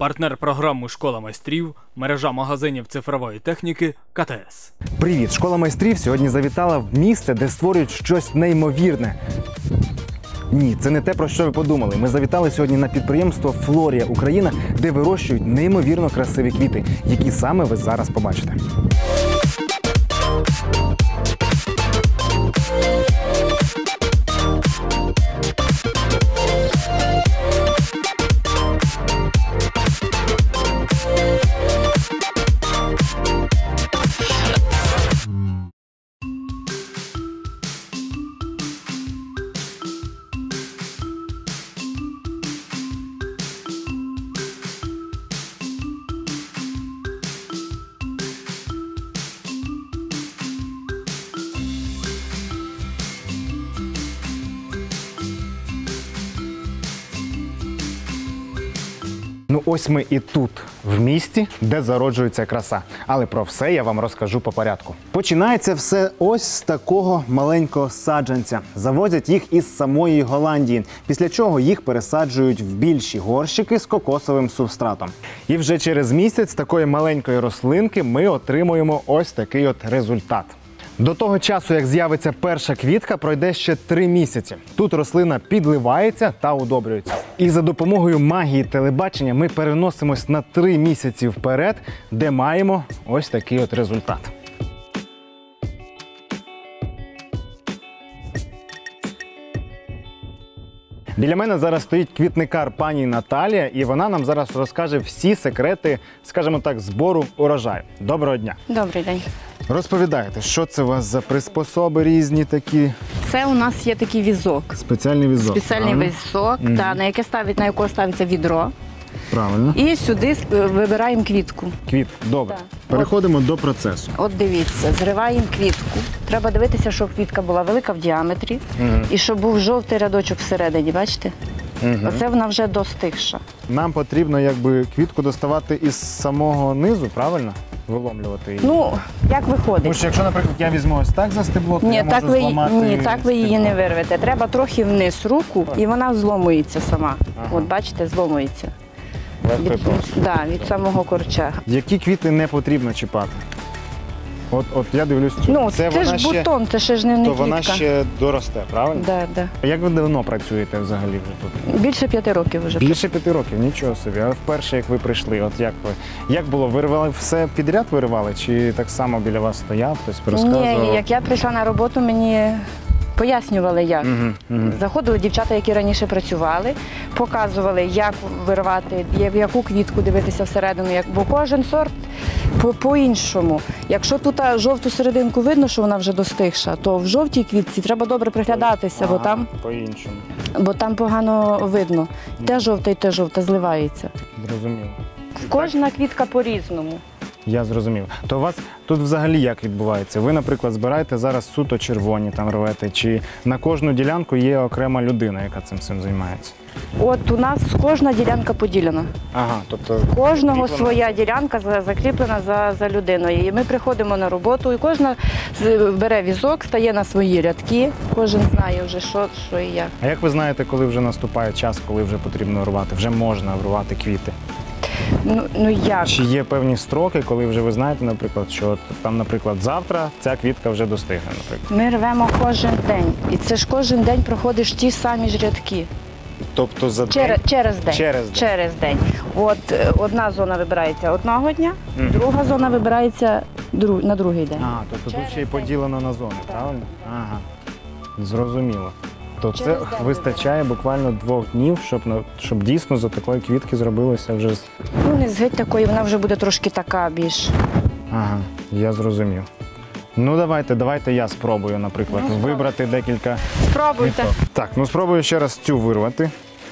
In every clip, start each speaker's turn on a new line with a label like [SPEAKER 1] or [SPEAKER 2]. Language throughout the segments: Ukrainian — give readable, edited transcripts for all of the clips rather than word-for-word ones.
[SPEAKER 1] Партнер програми «Школа майстрів» – мережа магазинів цифрової техніки КТС.
[SPEAKER 2] Привіт! Школа майстрів сьогодні завітала в місце, де створюють щось неймовірне. Ні, це не те, про що ви подумали. Ми завітали сьогодні на підприємство «Флорія Україна», де вирощують неймовірно красиві квіти, які саме ви зараз побачите. Ну ось ми і тут, в місті, де зароджується краса. Але про все я вам розкажу по порядку. Починається все ось з такого маленького саджанця. Завозять їх із самої Голландії, після чого їх пересаджують в більші горщики з кокосовим субстратом. І вже через місяць такої маленької рослинки ми отримуємо ось такий от результат. До того часу, як з'явиться перша квітка, пройде ще 3 місяці. Тут рослина підливається та удобрюється. І за допомогою магії телебачення ми переносимось на 3 місяці вперед, де маємо ось такий от результат. Біля мене зараз стоїть квітникар пані Наталія, і вона нам зараз розкаже всі секрети, скажімо так, збору урожаю. Доброго дня!
[SPEAKER 3] Добрий день.
[SPEAKER 2] Розповідайте, що це у вас за приспособи різні такі?
[SPEAKER 3] Це у нас є такий візок.
[SPEAKER 2] Спеціальний візок.
[SPEAKER 3] Спеціальний візок, на якого ставиться відро.
[SPEAKER 2] Правильно.
[SPEAKER 3] І сюди вибираємо квітку.
[SPEAKER 2] Квітку. Добре.
[SPEAKER 3] Так.
[SPEAKER 2] Переходимо до процесу.
[SPEAKER 3] От дивіться, зриваємо квітку. Треба дивитися, щоб квітка була велика в діаметрі і щоб був жовтий рядочок всередині, бачите? Оце вона вже достигша.
[SPEAKER 2] Нам потрібно якби квітку доставати із самого низу, правильно? Виломлювати її.
[SPEAKER 3] Ну, як виходить?
[SPEAKER 2] Тому що якщо, наприклад, я візьму ось так за стебло, то я можу зламати.
[SPEAKER 3] Ні, так ви її не вирвете. Треба трохи вниз руку, і вона зломується сама. От бачите, зломується. Від самого корча.
[SPEAKER 2] Які квіти не потрібно чіпати? От я дивлюсь цю.
[SPEAKER 3] Ну, це ж бутон, це ж не квітка.
[SPEAKER 2] То вона ще доросте, правильно?
[SPEAKER 3] Так.
[SPEAKER 2] Як ви давно працюєте взагалі вже тут?
[SPEAKER 3] Більше 5 років вже.
[SPEAKER 2] Більше 5 років, нічого собі. А вперше, як ви прийшли, от як було? Виривали все підряд виривали? Чи так само біля вас стояв, хтось розказував?
[SPEAKER 3] Ні, як я прийшла на роботу, мені пояснювали, як. Заходили дівчата, які раніше працювали, показували, як вирвати, яку квітку дивитися всередину, бо кожен сорт по-іншому. Якщо тут жовту серединку видно, що вона вже достигша, то в жовтій квітці треба добре приглядатися, бо там погано видно. Те жовте зливається.
[SPEAKER 2] Зрозуміло.
[SPEAKER 3] Кожна квітка по-різному.
[SPEAKER 2] Я зрозумів. То у вас тут взагалі як відбувається? Ви, наприклад, збираєте зараз суто червоні, там рвете, чи на кожну ділянку є окрема людина, яка цим займається?
[SPEAKER 3] От у нас кожна ділянка поділена.
[SPEAKER 2] Ага, тобто
[SPEAKER 3] кожного своя ділянка закріплена за людиною. І ми приходимо на роботу, і кожна бере візок, стає на свої рядки, кожен знає вже, що і як.
[SPEAKER 2] А як ви знаєте, коли вже наступає час, коли вже потрібно рвати? Вже можна рвати квіти?
[SPEAKER 3] Ну як?
[SPEAKER 2] Чи є певні строки, коли вже ви знаєте, наприклад, що там, наприклад, завтра ця квітка вже достигне, наприклад?
[SPEAKER 3] Ми рвемо кожен день. І це ж кожен день проходиш ті самі ж рядки.
[SPEAKER 2] Тобто за день?
[SPEAKER 3] Через день. От одна зона вибирається одного дня, друга зона вибирається на другий день.
[SPEAKER 2] Тобто тут ще й поділено на зони, правильно? Ага, зрозуміло. То це вистачає буквально 2 днів, щоб дійсно з такої квітки зробилося вже...
[SPEAKER 3] Ну, не з геть такої, вона вже буде трошки така більш...
[SPEAKER 2] Ага, я зрозумів. Ну, давайте я спробую, наприклад, вибрати декілька...
[SPEAKER 3] Спробуйте.
[SPEAKER 2] Так, спробую ще раз цю вирвати.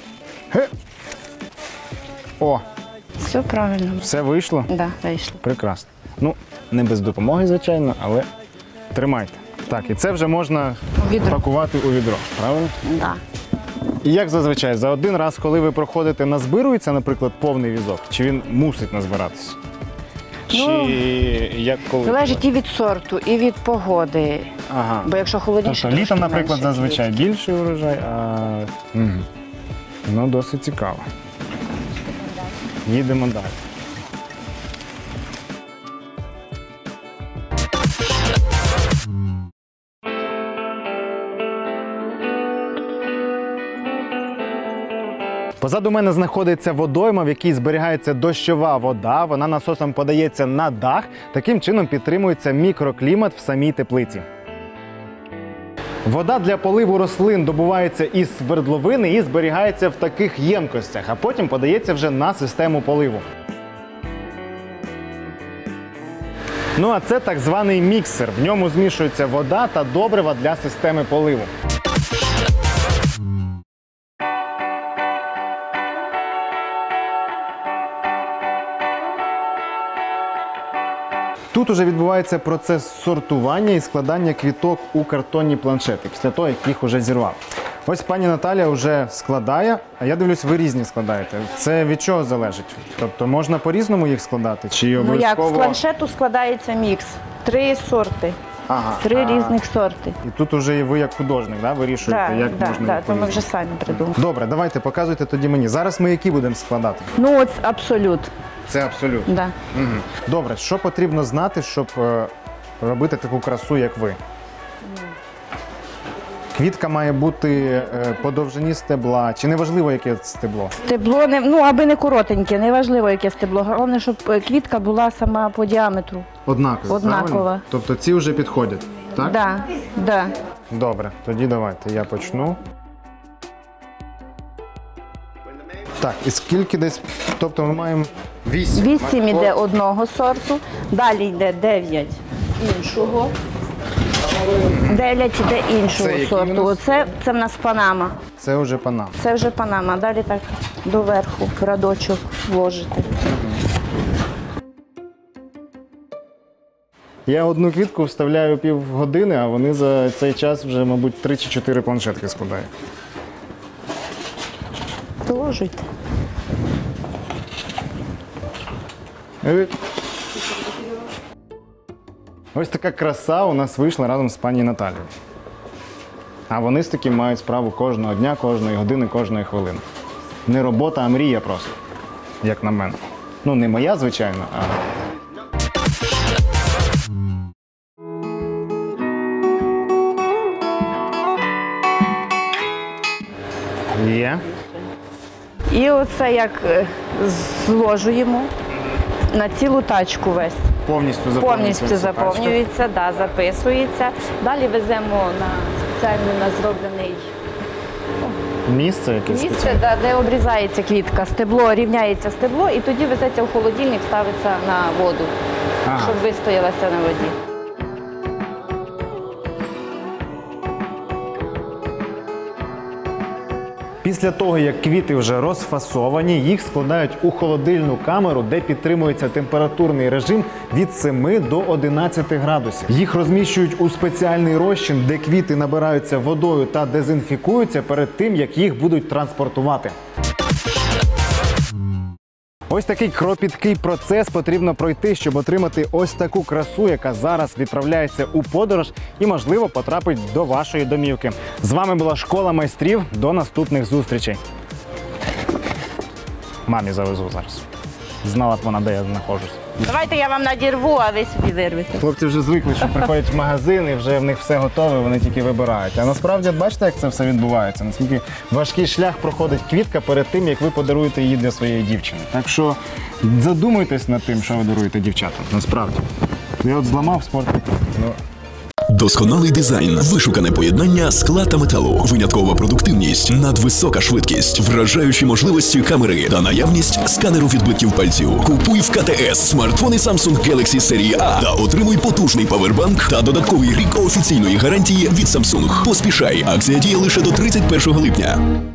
[SPEAKER 2] О!
[SPEAKER 3] Все правильно.
[SPEAKER 2] Все вийшло?
[SPEAKER 3] Так, вийшло.
[SPEAKER 2] Прекрасно. Ну, не без допомоги, звичайно, але тримайте. Так, і це вже можна пакувати у відро, правильно?
[SPEAKER 3] Так.
[SPEAKER 2] І як зазвичай, за один раз, коли ви проходите, назбирується, наприклад, повний візок? Чи він мусить назбиратися?
[SPEAKER 3] Залежить і від сорту, і від погоди.
[SPEAKER 2] Ага.
[SPEAKER 3] Бо якщо холодніше,
[SPEAKER 2] тобто літом, наприклад, зазвичай більший урожай, а... Ну, досить цікаво. їдемо далі. Позаду мене знаходиться водойма, в якій зберігається дощова вода. Вона насосом подається на дах. Таким чином підтримується мікроклімат в самій теплиці. Вода для поливу рослин добувається із свердловини і зберігається в таких ємкостях, а потім подається вже на систему поливу. Ну а це так званий міксер. В ньому змішується вода та добрива для системи поливу. Тут уже відбувається процес сортування і складання квіток у картонні планшети, після того, як їх вже зірвав. Ось пані Наталя вже складає, а я дивлюсь, ви різні складаєте. Це від чого залежить? Тобто можна по-різному їх складати? Чи
[SPEAKER 3] Ну
[SPEAKER 2] обов'язково?
[SPEAKER 3] як, з планшету складається мікс. 3 сорти.
[SPEAKER 2] Ага.
[SPEAKER 3] 3 різних сорти.
[SPEAKER 2] І тут уже і ви як художник, да, вирішуєте, як можна їх
[SPEAKER 3] то ми
[SPEAKER 2] по-різному.
[SPEAKER 3] вже самі придумали.
[SPEAKER 2] Добре, давайте, показуйте тоді мені. Зараз ми які будемо складати?
[SPEAKER 3] Ну от абсолют.
[SPEAKER 2] Це абсолютно.
[SPEAKER 3] Да.
[SPEAKER 2] Угу. Добре, що потрібно знати, щоб робити таку красу, як ви? Квітка має бути по довжині стебла, чи не важливо, яке стебло?
[SPEAKER 3] Стебло, аби не коротеньке, не важливо, яке стебло. Головне, щоб квітка була сама по діаметру.
[SPEAKER 2] Однаково.
[SPEAKER 3] Однакова.
[SPEAKER 2] Правильно? Тобто ці вже підходять, так?
[SPEAKER 3] Да, да.
[SPEAKER 2] Добре, тоді давайте, я почну. Так, і скільки десь, тобто ми маємо 8.
[SPEAKER 3] 8 іде одного сорту, далі йде 9 іншого. 9 іде
[SPEAKER 2] Це
[SPEAKER 3] іншого
[SPEAKER 2] який у
[SPEAKER 3] сорту.
[SPEAKER 2] нас?
[SPEAKER 3] Оце це в нас Панама.
[SPEAKER 2] Це вже панам.
[SPEAKER 3] Це вже Панама. Далі так доверху радочок вложити.
[SPEAKER 2] Я одну квітку вставляю півгодини, а вони за цей час вже, мабуть, 3 чи 4 планшетки складають.
[SPEAKER 3] Доложуйте.
[SPEAKER 2] Ось така краса у нас вийшла разом з пані Наталією. А вони з таким мають справу кожного дня, кожної години, кожної хвилини. Не робота, а мрія просто, як на мене. Ну, не моя, звичайно, а... Є.
[SPEAKER 3] І оце як зложуємо на цілу тачку весь.
[SPEAKER 2] Повністю заповнюється.
[SPEAKER 3] Повністю заповнюється, да, записується. Далі веземо на спеціально на зроблений
[SPEAKER 2] Місце якесь
[SPEAKER 3] місце, де обрізається квітка, стебло, рівняється стебло, і тоді везеться в холодильник, ставиться на воду, щоб вистоялася на воді.
[SPEAKER 2] Після того, як квіти вже розфасовані, їх складають у холодильну камеру, де підтримується температурний режим від 7 до 11 градусів. Їх розміщують у спеціальний розчин, де квіти набираються водою та дезінфікуються перед тим, як їх будуть транспортувати. Ось такий кропіткий процес потрібно пройти, щоб отримати ось таку красу, яка зараз відправляється у подорож і, можливо, потрапить до вашої домівки. З вами була Школа майстрів. До наступних зустрічей. Мамі завезу зараз. Знала б вона, де я знаходжусь.
[SPEAKER 3] Давайте я вам надірву, а ви собі вирвете.
[SPEAKER 2] Хлопці вже звикли, що приходять в магазин і вже в них все готове, вони тільки вибирають. А насправді, бачите, як це все відбувається? Наскільки важкий шлях проходить квітка перед тим, як ви подаруєте її для своєї дівчини. Так що задумуйтесь над тим, що ви даруєте дівчатам. Насправді. Я от зламав спортивну.
[SPEAKER 4] Досконалий дизайн, вишукане поєднання скла та металу, виняткова продуктивність, надвисока швидкість, вражаючі можливості камери та наявність сканеру відбитків пальців. Купуй в КТС смартфони Samsung Galaxy серії А та отримуй потужний павербанк та додатковий рік офіційної гарантії від Samsung. Поспішай, акція діє лише до 31 липня.